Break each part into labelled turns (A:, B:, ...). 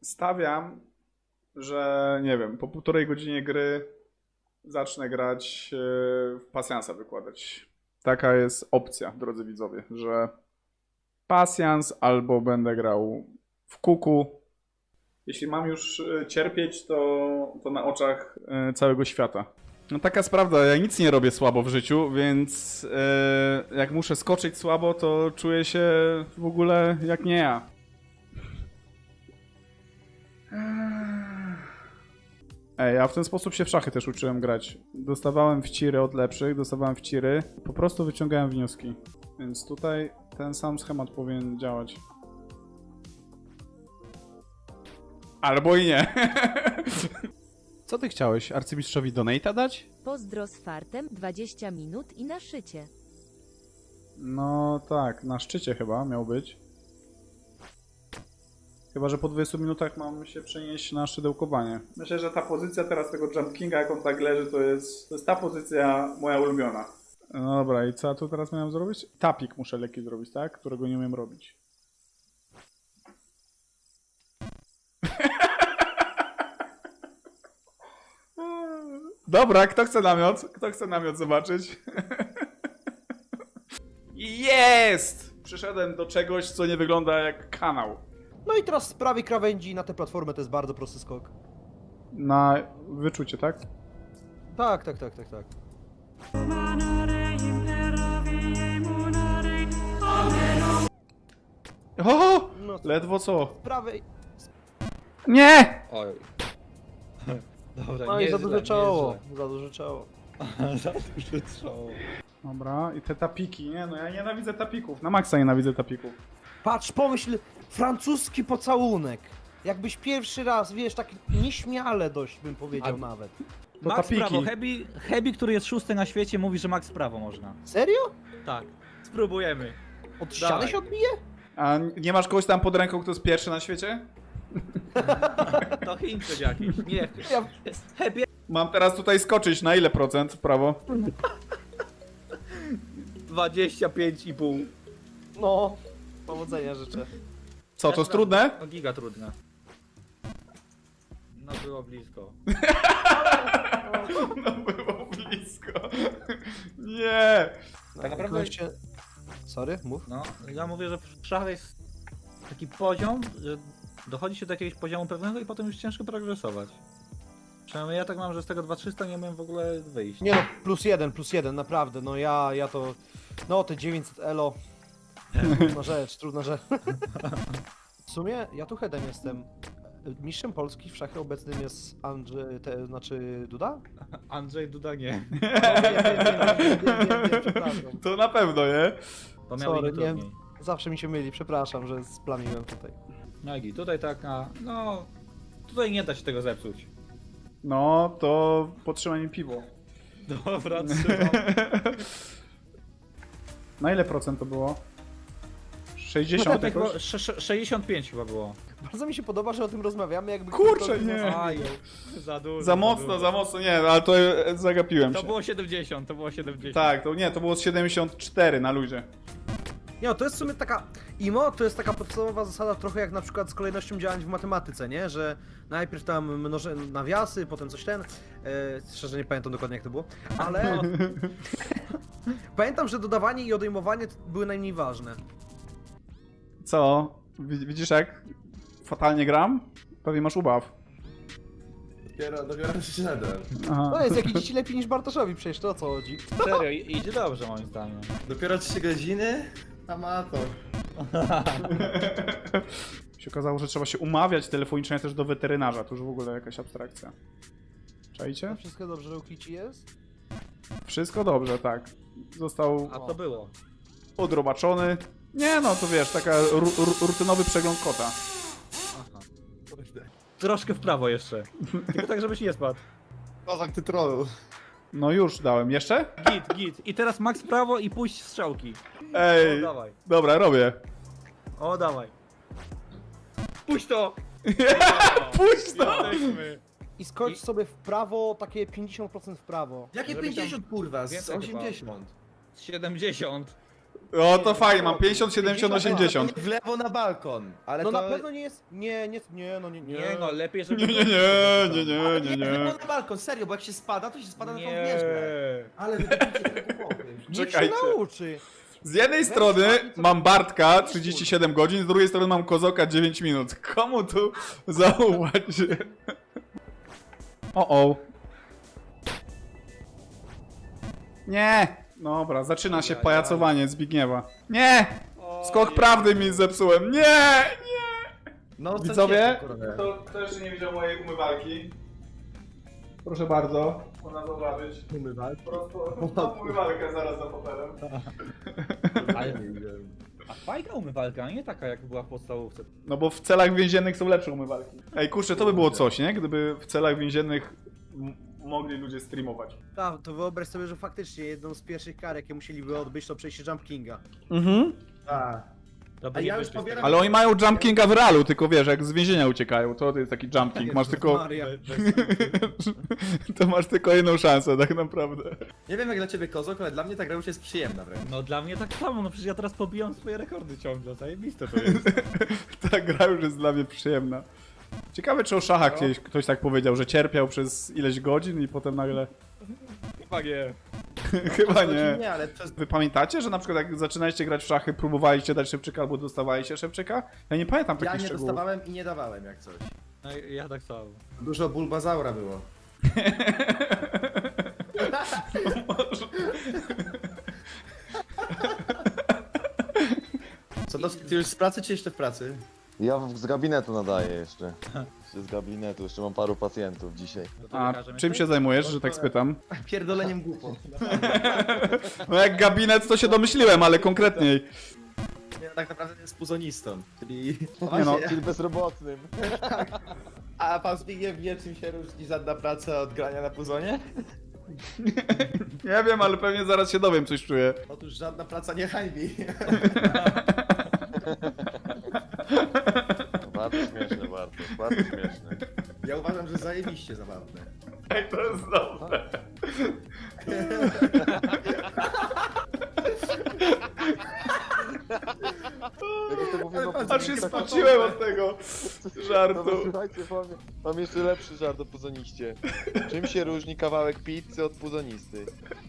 A: Stawiam, że nie wiem, po 1,5 godziny gry zacznę grać w pasjansa wykładać. Taka jest opcja, drodzy widzowie, że pasjans albo będę grał w kuku. Jeśli mam już cierpieć, to na oczach całego świata. No taka jest prawda, ja nic nie robię słabo w życiu, więc jak muszę skoczyć słabo, to czuję się w ogóle jak nie ja. Ja w ten sposób się w szachy też uczyłem grać. Dostawałem wciry od lepszych, dostawałem wciry, po prostu wyciągałem wnioski. Więc tutaj ten sam schemat powinien działać. Albo i nie. Co ty chciałeś? Arcymistrzowi donate'a dać?
B: Pozdro z fartem 20 minut i na szycie.
A: No tak, na szczycie chyba miał być. Chyba, że po 20 minutach mam się przenieść na szydełkowanie. Myślę, że ta pozycja teraz tego Jump Kinga, jak on tak leży, to jest ta pozycja moja ulubiona. No dobra, i co ja tu teraz miałem zrobić? Tapik muszę lekki zrobić, tak? Którego nie umiem robić. Dobra, kto chce namiot? Kto chce namiot zobaczyć? Jest! Przyszedłem do czegoś, co nie wygląda jak kanał.
C: No i teraz z prawej krawędzi na tę platformę to jest bardzo prosty skok.
A: Na wyczucie, tak?
C: Tak.
A: O!
C: No,
A: Ledwo co?
C: z prawej.
A: Nie!
D: Oj. Dobra,
C: No
D: nie
C: i za
D: źle,
C: duże
D: nie
C: czoło. Za duże czoło.
D: źle. Za duże czoło.
A: Dobra, i te tapiki, nie? No ja nienawidzę tapików. Na maksa nienawidzę tapików.
C: Patrz, pomyśl, francuski pocałunek. Jakbyś pierwszy raz, wiesz, tak nieśmiale dość bym powiedział nawet.
A: To
E: Max
A: tapiki.
E: prawo, Hebi, który jest szósty na świecie, mówi, że Max prawo można.
C: Serio?
E: Tak. Spróbujemy.
C: Od ściany
E: Dawaj.
C: się odbije?
A: A nie masz kogoś tam pod ręką, kto jest pierwszy na świecie?
E: To Chińczyk jakiś. Nie,
C: Ja...
E: Hebi
A: Mam teraz tutaj skoczyć. Na ile procent w prawo?
E: 25,5.
C: No, powodzenia życzę.
A: Co, to jest trudne?
E: No giga trudne. No było blisko.
A: No było blisko. Nie!
C: Tak
E: naprawdę-
C: Sorry, mów.
E: No, ja mówię, że w szachach jest taki poziom, że dochodzi się do jakiegoś poziomu pewnego i potem już ciężko progresować. Przynajmniej ja tak mam, że z tego 2300 nie umiem w ogóle wyjść.
C: Nie no, plus jeden, naprawdę, no ja to... No, te 900 elo... Trudna rzecz. W sumie, ja tu headem jestem. Mistrzem Polski w szachy obecnym jest Andrzej, znaczy Duda?
E: Andrzej Duda nie.
C: No, wiem, przepraszam.
A: To na pewno, nie?
E: To miał
C: Sorry,
E: inny
C: nie,
E: trudniej.
C: zawsze mi się myli, przepraszam, że splamiłem tutaj.
E: No i tutaj taka, no... Tutaj nie da się tego zepsuć.
A: No, to potrzymaj mi piwo.
E: Dobra, trzymam.
A: Na ile procent to było? 60
E: Tak było,
A: jakoś?
E: 65 chyba było.
C: Bardzo mi się podoba, że o tym rozmawiamy, jakby...
A: Kurczę,
C: ktoś-
A: nie.
E: Aj, za dużo.
A: Za mocno, nie, ale to zagapiłem
E: To
A: się.
E: było 70, to było 70.
A: Tak, to nie, to było z 74 na luzie.
C: Nie, no, to jest w sumie taka... IMO to jest taka podstawowa zasada trochę jak na przykład z kolejnością działań w matematyce, nie? Że najpierw tam mnożę nawiasy, potem coś szczerze nie pamiętam dokładnie jak to było, ale... Pamiętam, że dodawanie i odejmowanie były najmniej ważne.
A: Co? Widzisz jak fatalnie gram? Pewnie masz ubaw.
D: Dopiero przyszedłem.
A: Aha.
C: To jest jakiś ci lepiej niż Bartoszowi przecież, to o co chodzi?
E: Serio, idzie dobrze moim zdaniem.
D: Dopiero 3 godziny? Amator.
A: Się okazało, że trzeba się umawiać telefonicznie też do weterynarza. To już w ogóle jakaś abstrakcja. Czajcie?
C: Wszystko dobrze, że u Kici jest?
A: Wszystko dobrze, tak. Został
E: A to było.
A: odrobaczony. Nie no, to wiesz, taka rutynowy przegląd kota.
E: Aha. Troszkę w prawo jeszcze. Tylko tak, żebyś nie spadł.
D: Kozak, ty trollu.
A: No już dałem. Jeszcze?
E: Git. I teraz max w prawo i puść strzałki. O,
A: Ej,
E: dawaj.
A: dobra, robię.
E: O, dawaj. Puść to!
A: Puść to!
E: Jesteśmy.
C: I skocz sobie w prawo, takie 50% w prawo.
D: Jakie
E: Żeby
D: 50 kurwa? Z
E: więcej chyba.
D: 80.
E: 70.
A: O, to fajnie, mam 50, 70, 80.
D: W lewo na balkon, ale
C: No
D: to...
C: na pewno nie jest... Nie, no nie.
E: Nie no, lepiej żeby...
D: Nie, na balkon, serio, bo jak się spada, to się spada na tą wieżę. Ale wy kupicie ten głupoty.
C: Niech się
A: Czekajcie.
C: nauczy.
A: Z jednej strony mam Bartka 37 godzin, z drugiej strony mam Kozoka 9 minut. Komu tu zaufać? O. Nie! Dobra, zaczyna się pajacowanie Zbigniewa. Nie! Skok prawdy mi zepsułem. Nie!
D: No, co
A: Widzowie,
D: się, kurde?
A: kto jeszcze nie widział mojej umywalki? Proszę bardzo, można zobaczyć.
D: Umywalki?
A: Mam umywalkę zaraz za fotelem.
E: Ale... A fajna umywalka, nie taka jak była w podstawówce.
A: No bo w celach więziennych są lepsze umywalki. Ej, kurczę, to by było coś, nie? Gdyby w celach więziennych mogli ludzie streamować.
C: Tak, to wyobraź sobie, że faktycznie jedną z pierwszych kar, jakie musieliby odbyć, to przejście Jump Kinga.
D: A,
E: To by
D: A
E: nie
D: ja już
E: wyszli z
D: pobieram-
A: Ale oni mają Jump Kinga w realu, tylko wiesz, jak z więzienia uciekają, to jest taki Jump King. Masz tylko...
C: Maria.
A: to masz tylko jedną szansę, tak naprawdę.
D: nie wiem jak dla ciebie Kozok, ale dla mnie ta gra już jest przyjemna wręcz.
E: No dla mnie tak samo, no przecież ja teraz pobijam swoje rekordy ciągle, zajebiste to jest.
A: Ta gra już jest dla mnie przyjemna. Ciekawe, czy o szachach ktoś tak powiedział, że cierpiał przez ileś godzin i potem nagle...
E: Chyba nie.
A: Chyba nie.
D: Nie, ale przez...
A: Wy pamiętacie, że na przykład jak zaczynaliście grać w szachy, próbowaliście dać szybczyka albo dostawaliście szybczyka? Ja nie pamiętam
D: Ja
A: takich
D: nie
A: szczegółów.
D: dostawałem i nie dawałem jak coś.
E: No, ja tak samo.
D: Dużo bulbazaura było. Co to, ty już z pracy czy jeszcze w pracy?
F: Ja z gabinetu nadaję jeszcze. Z gabinetu, jeszcze mam paru pacjentów dzisiaj.
E: No to
A: A
E: lekarzem
A: czym się
E: jesteś?
A: zajmujesz, że tak spytam?
D: Pierdoleniem głupot.
A: No jak gabinet to się domyśliłem, ale konkretniej.
D: Ja tak naprawdę jest puzonistą, czyli...
A: Nie no.
F: Czyli bezrobotnym.
D: A pan Zbigniew wie czym się różni żadna praca od grania na puzonie?
A: Nie wiem, ale pewnie zaraz się dowiem, coś czuję.
D: Otóż żadna praca nie hańbi.
F: Bardzo śmieszne, bardzo śmieszne.
D: Ja uważam, że zajebiście zabawne.
A: Jak to jest dobre.
F: Jak to mówimy o
A: Aż się
F: puzoniście,
A: spociłem od tego żartu.
F: No słuchajcie, mam jeszcze lepszy żart o puzoniście. Czym się różni kawałek pizzy od puzonisty?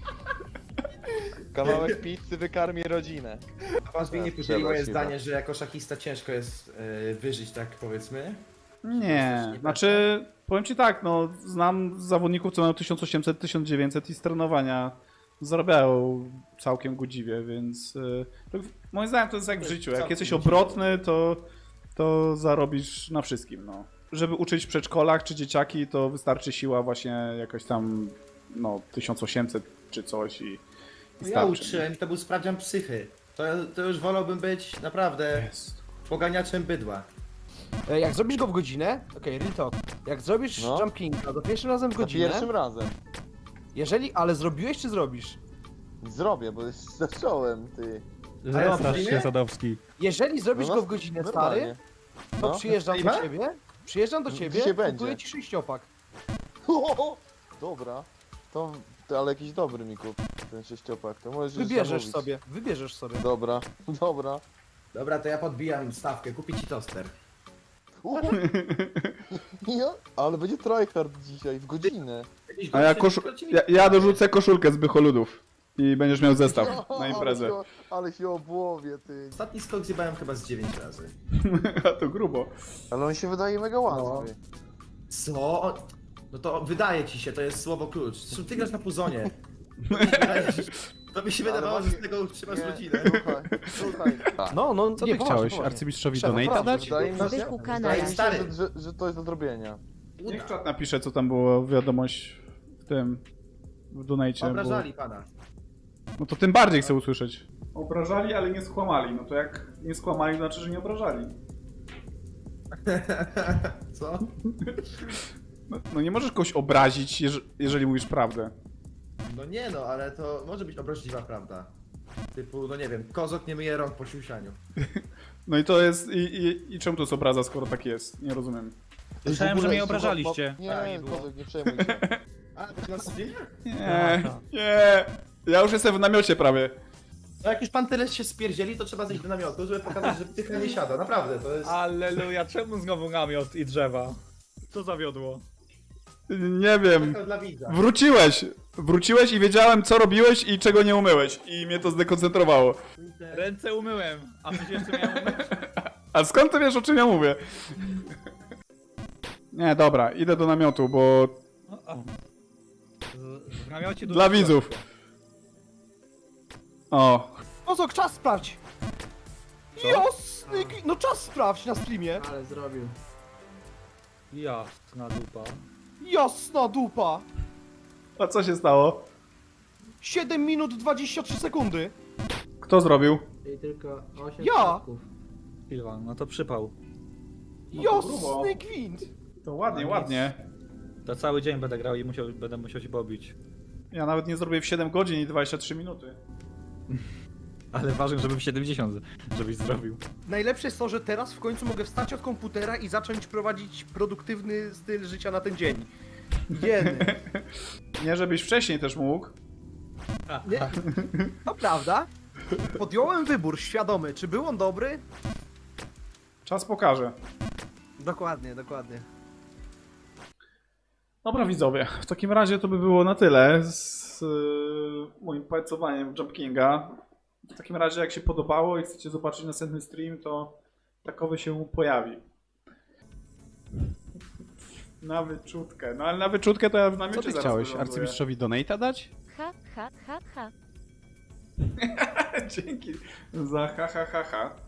F: Kawałek pizzy wykarmi rodzinę.
D: A pan Zbigniew
F: Tak,
D: podzielił moje
F: chyba.
D: zdanie, że jako szachista ciężko jest wyżyć, tak powiedzmy.
A: Nie, znaczy powiem ci tak, no znam zawodników, co mają 1800, 1900 i z trenowania zarabiają całkiem godziwie, więc moim zdaniem to jest jak w życiu, jak
D: Całkiem
A: jesteś
D: godziwie.
A: obrotny, to zarobisz na wszystkim, no. Żeby uczyć w przedszkolach czy dzieciaki, to wystarczy siła właśnie jakaś tam, no 1800 czy coś i
D: Ja
A: starczy.
D: uczyłem, to był sprawdzian psychy. To już wolałbym być naprawdę
A: Jest.
D: poganiaczem bydła.
C: Jak zrobisz go w godzinę, okej, real talk. Jak zrobisz
F: No.
C: Jump Kinga za pierwszym razem w
F: Za
C: godzinę,
F: pierwszym razem.
C: ale zrobiłeś czy zrobisz?
F: Zrobię, bo już zacząłem, ty.
D: Zapraszam się,
E: Sadowski.
C: Jeżeli zrobisz
F: No,
C: go w godzinę,
F: normalnie.
C: stary, to
F: No.
C: przyjeżdżam do
D: Streama?
C: ciebie, przyjeżdżam do ciebie,
F: Dzisiaj
C: kupuję
F: będzie.
C: ci 6-opak.
F: Dobra. To ale jakiś dobry mi kup, ten sześciopak. To możesz już
C: Wybierzesz
F: zamówić.
C: sobie.
F: Dobra, dobra.
D: Dobra, to ja podbijam stawkę, kupię ci toster.
F: Ja? Ale będzie tryhard dzisiaj, w godzinę.
A: A ja dorzucę koszulkę z Bycholudów i będziesz miał zestaw na imprezę.
F: Ale się obłowie, ty.
D: Ostatni skok zjebałem chyba z 9 razy.
A: A to grubo.
F: Ale on się wydaje mega łatwy.
D: Co? No to wydaje ci się, to jest słowo klucz. Zresztą ty grasz na puzonie. To mi się wydaje, to mi się
F: Ale
D: wydawało, że
F: właśnie-
D: z tego utrzymasz
F: Nie,
D: rodzinę.
F: Słuchaj.
C: No,
A: Co
C: nie,
A: ty
C: poważnie,
A: chciałeś
C: poważnie.
A: arcymistrzowi
C: Szef,
A: donate'a
C: naprawdę.
A: dać?
F: Wydaje mi się,
B: Zbychu
F: wydaje
B: kanale.
F: mi się
D: Stary.
F: że to jest do zrobienia.
A: Niech czat napisze, co tam było wiadomość w tym, w donate.
D: Obrażali pana.
A: No to tym bardziej chcę usłyszeć. Obrażali, ale nie skłamali. No to jak nie skłamali, to znaczy, że nie obrażali.
D: Co?
A: No nie możesz kogoś obrazić, jeżeli mówisz prawdę.
D: No nie no, ale to może być obraźliwa prawda. Typu, no nie wiem, kozok nie myje rąk po siusianiu.
A: No i to jest... I czemu to jest obraza, skoro tak jest? Nie rozumiem.
E: Słyszałem,
F: W ogóle,
E: że mnie
F: słuchaj,
E: obrażaliście.
F: Nie,
D: Tak, nie było.
F: Kozak, nie przejmuj się.
D: A, to się nas zdjęcie?
A: Nie, nie. Ja już jestem w namiocie prawie.
D: No jak już pan tyle się spierdzieli, to trzeba zejść do namiotu, żeby pokazać, że pycha nie siada. Naprawdę, to jest...
E: Alleluja, czemu znowu namiot i drzewa? Co zawiodło?
A: Nie wiem.
D: Taka dla widza.
A: Wróciłeś i wiedziałem, co robiłeś i czego nie umyłeś. I mnie to zdekoncentrowało.
E: Ręce umyłem, a ty jeszcze miałem umyć?
A: A skąd ty wiesz, o czym ja mówię? Nie, dobra, idę do namiotu, bo
E: W namiocie
A: dla widzów. O,
C: Ozok, czas sprawdź! Jasny no czas sprawdź na streamie!
D: Ale zrobił.
E: Jasna dupa.
C: Jasna dupa!
A: a co się stało?
C: 7 minut 23 sekundy!
A: Kto zrobił?
G: I tylko 8
C: Ja!
G: przypadków.
E: Pilwan, no to przypał.
C: Jasny gwint!
A: To ładnie, ładnie.
E: To cały dzień będę grał i będę musiał się pobić.
A: Ja nawet nie zrobię w 7 godzin i 23 minuty.
E: Ale ważne, żeby w 70, żebyś zrobił.
C: Najlepsze jest to, że teraz w końcu mogę wstać od komputera i zacząć prowadzić produktywny styl życia na ten dzień. Jeny.
A: Nie, żebyś wcześniej też mógł.
C: Nie? To prawda. Podjąłem wybór świadomy. Czy był on dobry?
A: Czas pokaże.
C: Dokładnie, dokładnie.
A: Dobra widzowie, w takim razie to by było na tyle z moim pajacowaniem Jump Kinga. W takim razie jak się podobało i chcecie zobaczyć następny stream, to takowy się pojawi. Na wyczutkę. No ale na wyczutkę to ja w namiocie
H: Co ty
A: zaraz
H: chciałeś?
A: wyląduję.
H: Arcymistrzowi donate'a dać?
B: Ha, ha, ha, ha.
A: Dzięki za ha ha ha ha.